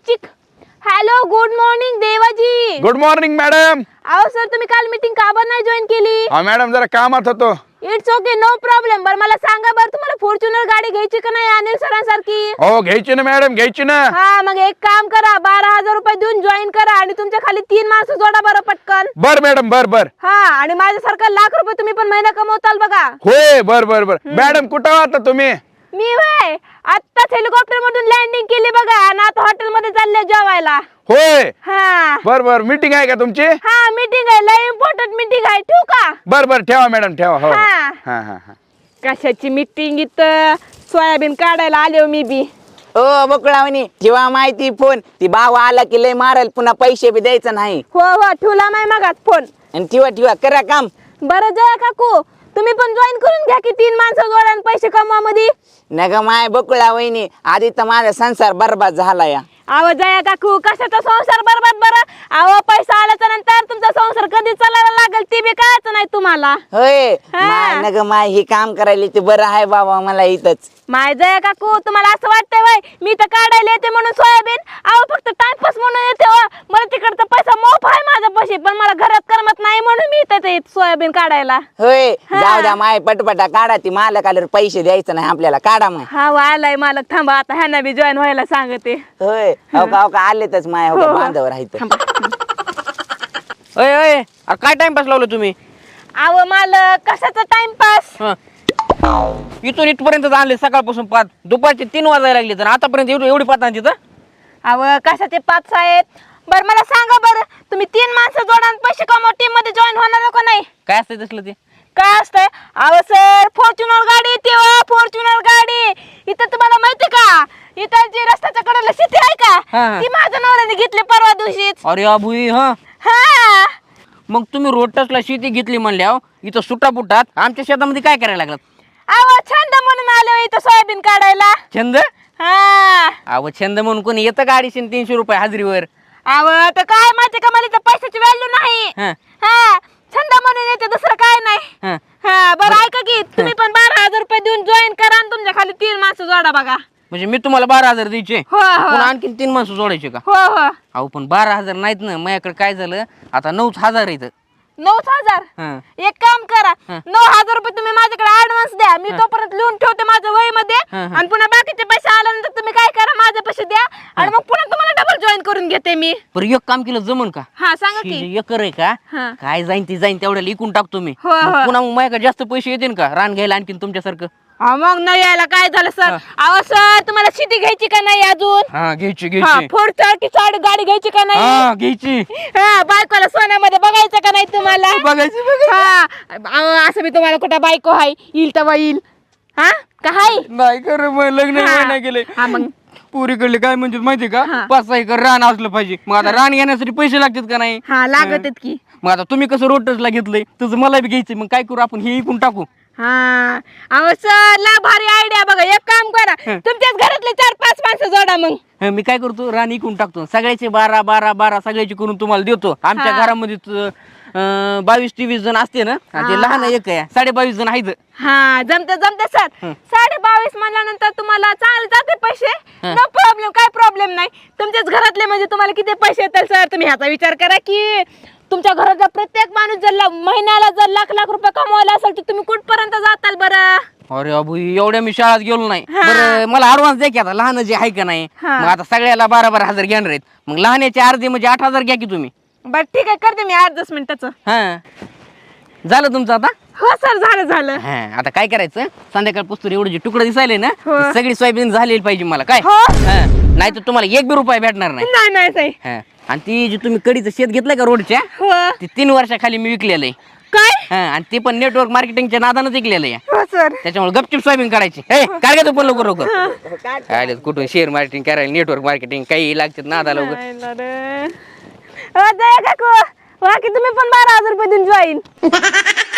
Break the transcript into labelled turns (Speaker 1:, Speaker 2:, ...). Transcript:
Speaker 1: चिक. Hello, good morning Devaji.
Speaker 2: Good morning madam.
Speaker 1: अहो sir, तुम्ही काल मीटिंग का बरं नाही जॉईन केली?
Speaker 2: हा मॅडम, जरा कामात होतो.
Speaker 1: It's okay, no problem. बरं मला सांगा, बरं तुम्हाला फॉर्च्युनर गाडी घ्यायची का नाही अनिल सरांसारखी?
Speaker 2: हो घ्यायची ना मॅडम, घ्यायची ना.
Speaker 1: हा, मग एक काम करा, 12,000 रुपये देऊन जॉईन करा आणि तुमच्या खाली 3 माणसं जोडा बरं पटकन.
Speaker 2: बर मॅडम, बर बर.
Speaker 1: हा, आणि माझ्यासारखा लाख रुपये तुम्ही पण महिना कमवताल बघा.
Speaker 2: होय, बर बर बर. मॅडम कुठं आता तुम्ही?
Speaker 1: मी वय आत्ताच हेलिकॉप्टर मधून लँडिंग केली बघा आणि आता हॉटेल मध्ये चालले जेवायला.
Speaker 2: होय,
Speaker 1: हा
Speaker 2: बर बर. मीटिंग आहे का तुमची?
Speaker 1: हा, मीटिंग आहे, लय इम्पॉर्टंट मीटिंग आहे. ठेवू का?
Speaker 2: बर बर, ठेवा मॅडम, ठेवा. हो
Speaker 1: हा.
Speaker 2: हा हा हा.
Speaker 1: कशाची मीटिंग? इथं सोयाबीन काढायला आले हो मी बी.
Speaker 3: ओ बकुळावणी, जेव्हा माहिती फोन ती भाव आला की लय मारल, पुन्हा पैसे बी द्यायचं नाही.
Speaker 1: हो हो, ठेवला नाही मगाच फोन.
Speaker 3: आणि ठेवा करा काम.
Speaker 1: बरं जया काकू, तुम्ही पण जॉईन करून घ्या की 3 माणसं जोडा आणि पैसे कमवा मध्ये.
Speaker 3: नग माय बकुळा वहिनी, आधी तर माझा संसार बरबाद झाला या.
Speaker 1: अहो जया काकू, कशाचा संसार बरबाद बरं? अहो पैसा आल्याच्या नंतर तुमचा संसार कधी चालायला लागेल ते बी कळायचं नाही तुम्हाला.
Speaker 3: होय
Speaker 1: हा.
Speaker 3: माय नग माय, हे काम करायला ते बरं आहे बाबा मला इथंच.
Speaker 1: माय जया काकू, तुम्हाला असं वाटतंय वय मी तर काढायला येते म्हणून सोयाबीन? अहो फक्त टाइमपास म्हणून येते हो. मला तिकडचा पैसा मोफ आहे माझ्या पैसे, पण मला घरात करमत नाही म्हणून मी इथं येते सोयाबीन काढायला.
Speaker 3: होय,
Speaker 1: हा.
Speaker 3: जाऊ द्या माय, पटपटा काढा. ती मालक आल्यावर पैसे द्यायचं नाही आपल्याला, काढा मग.
Speaker 1: हा आलाय मालक, थांबा आता ह्यांना बी जॉईन व्हायला सांगते.
Speaker 3: होय, हो का आलेतच माय, हो का बांधावर राहायचं.
Speaker 4: अय अय, अरे काय टाइमपास लावलं तुम्ही?
Speaker 1: अहो मालक, कशाचा टाइमपास?
Speaker 4: हं. इथून इथपर्यंत आणले सकाळपासून 5, दुपारचे 3 वाजायला लागले, तर आतापर्यंत एवढी पाच आणली तर?
Speaker 1: अहो कशाचे 5 आहेत? बरं मला सांगा, बरं तुम्ही 3 माणसं जोडा आणि पैसे कमवा, टीम मध्ये जॉईन होणार का नाही?
Speaker 4: काय असतं तसलं ते?
Speaker 1: काय असतंय? अहो सर, फॉर्च्युनर गाडी येते हो, फॉर्च्युनर गाडी. इथं तुम्हाला माहिती का, इथं जी रस्त्याच्या कडेला शेती आहे का,
Speaker 4: हा.
Speaker 1: ती माझ्या नवऱ्याने घेतली परवा दिवशीच.
Speaker 4: अरे अभुई, हा.
Speaker 1: हा,
Speaker 4: मग तुम्ही रोड टचला शेती घेतली म्हणल्यावर इथं सुटापुटात आमच्या शेतामध्ये काय करायला लागलात?
Speaker 1: अहो छंद म्हणून आले हो इथं सोयाबीन काढायला.
Speaker 4: छंद?
Speaker 1: हा,
Speaker 4: अहो छंद म्हणून कोणी येतं का 250-300 रुपये हाजरीवर?
Speaker 1: अहो तर काय माहिती का, मला इथं पैशाची व्हॅल्यू नाही.
Speaker 4: हं.
Speaker 1: हा, छंद म्हणून येते, दुसरं काय नाही.
Speaker 4: हं.
Speaker 1: हा, बरं ऐका की, तुम्ही पण 12,000 रुपये देऊन जॉईन करा आणि तुमच्या खाली 3 माणसं जोडा बघा.
Speaker 4: म्हणजे मी तुम्हाला 12,000 द्यायचे,
Speaker 1: हो हो
Speaker 4: पुन्हा आणखीन 3 माणसं जोडायचे का?
Speaker 1: हो हो.
Speaker 4: अहो पण 12,000 नाहीत ना, माझ्याकडे काय झालं आता 9,000 येतं.
Speaker 1: 9,000.
Speaker 4: हं.
Speaker 1: एक काम करा,
Speaker 4: हं.
Speaker 1: 9,000 रुपये तुम्ही माझ्याकडे ऍडव्हान्स द्या, मी तोपर्यंत लिहून ठेवते माझ्या वही मध्ये.
Speaker 4: हं.
Speaker 1: आणि पुन्हा बाकीचे पैसे आल्यानंतर तुम्ही काय करा, माझे पैसे द्या आणि मग पुन्हा तुम्हाला डबल जॉईन करून घेते मी.
Speaker 4: बरं एक काम केलं जमन का?
Speaker 1: हा सांगा
Speaker 4: ही
Speaker 1: की.
Speaker 4: जी एकर आहे का,
Speaker 1: हं.
Speaker 4: काय जाईन ती जाईन तेवढ्याला इकून टाकतो मी.
Speaker 1: हो,
Speaker 4: मग
Speaker 1: हो.
Speaker 4: पुन्हा मग माझ्याकडे जास्त पैसे येतील का रान घ्यायला आणखीन तुमच्यासारखं?
Speaker 1: हा, मग नाही यायला काय झालं सर? अहो सर, तुम्हाला शेती घ्यायची का नाही अजून?
Speaker 4: हा घ्यायची
Speaker 1: हा,
Speaker 4: घ्यायची.
Speaker 1: 4 गाडी घ्यायची का नाही?
Speaker 4: हा घ्यायची.
Speaker 1: हा, बायकोला सोन्यामध्ये बघायचं का नाही तुम्हाला?
Speaker 4: बघायची बघायची.
Speaker 1: हा, अहो, असं मी तुम्हाला कुठं बायको आहे येईल तेव्हा येईल. हा का हाय?
Speaker 4: नाही कर लग्न
Speaker 1: हा.
Speaker 4: नाही केले.
Speaker 1: हा, मग
Speaker 4: पुरीकडले काय म्हणजे माहिती का,
Speaker 1: हा.
Speaker 4: 5-6 एकर रान असलं पाहिजे. मग आता रान घेण्यासाठी पैसे लागतात का नाही?
Speaker 1: हा लागत आहेत की.
Speaker 4: मग आता तुम्ही कसं रोटसला घेतलंय तसं मला बी घ्यायचं. मग काय करू आपण, हे इकून टाकू.
Speaker 1: हा, अहो सर, ला भारी आयडिया. बघा एक काम करा, तुमच्याच घरातले 4-5 माणसं जोडा मग.
Speaker 4: मी काय करतो, रान इकून टाकतो. सगळ्याचे 12 सगळ्याचे करून तुम्हाला देतो. आमच्या
Speaker 1: हा.
Speaker 4: घरामध्ये 22-23 जण असते ना, आणि ते लहान एक आहे, 22.5 जण आहेत.
Speaker 1: हा, जमते सर. 22.5 म्हणल्यानंतर तुम्हाला चांगले जाते पैसे.
Speaker 4: हं.
Speaker 1: नो प्रॉब्लेम, काय प्रॉब्लेम नाही. तुमच्याच घरातले म्हणजे तुम्हाला किती पैसे येतील सर? तुम्ही ह्याचा विचार करा की तुमच्या घरातला प्रत्येक माणूस जर महिन्याला जर लाख रुपये कमवायला असेल तर तुम्ही कुठपर्यंत जाताल बरं?
Speaker 4: अरे अबू, एवढ्या मी शाळेत गेलो नाही.
Speaker 1: हा.
Speaker 4: बरं मला ऍडव्हान्स द्या की, आता लहान जे आहे का नाही.
Speaker 1: हा.
Speaker 4: मग आता सगळ्याला 12,000 घेणार आहेत. मग लहानाचे अर्धे म्हणजे 8,000 घ्या की तुम्ही.
Speaker 1: बरं ठीक आहे, करते मी 8-10 मिनिटाचं.
Speaker 4: हा झालं तुमचं आता?
Speaker 1: हो सर, झालं.
Speaker 4: हा आता काय करायचं, संध्याकाळ पुस्तक एवढे जे तुकडे दिसायले ना,
Speaker 1: हो.
Speaker 4: ती सगळी सोयाबीन झालेली पाहिजे मला. काय
Speaker 1: हो.
Speaker 4: नाही तर तुम्हाला 1 बी रुपया भेटणार नाही.
Speaker 1: नाही साई.
Speaker 4: हा. आणि ती जी तुम्ही कडीचं शेत घेतलंय का रोडच्या,
Speaker 1: हो.
Speaker 4: ती 3 वर्षाखाली मी विकलेलं आहे.
Speaker 1: काय?
Speaker 4: हा, आणि ते पण नेटवर्क मार्केटिंगच्या नादानच विकलेलं आहे.
Speaker 1: हो सर.
Speaker 4: त्याच्यामुळे गपचिप सोयाबीन काढायची. काय का तू पण लवकर काय कुठून शेअर मार्केटिंग करायला, नेटवर्क मार्केटिंग काही लागतात नादा लवकर.
Speaker 1: नाही ना रे. जया काकू, बाकी तुम्ही पण 12,000 रुपये देऊन जॉईन.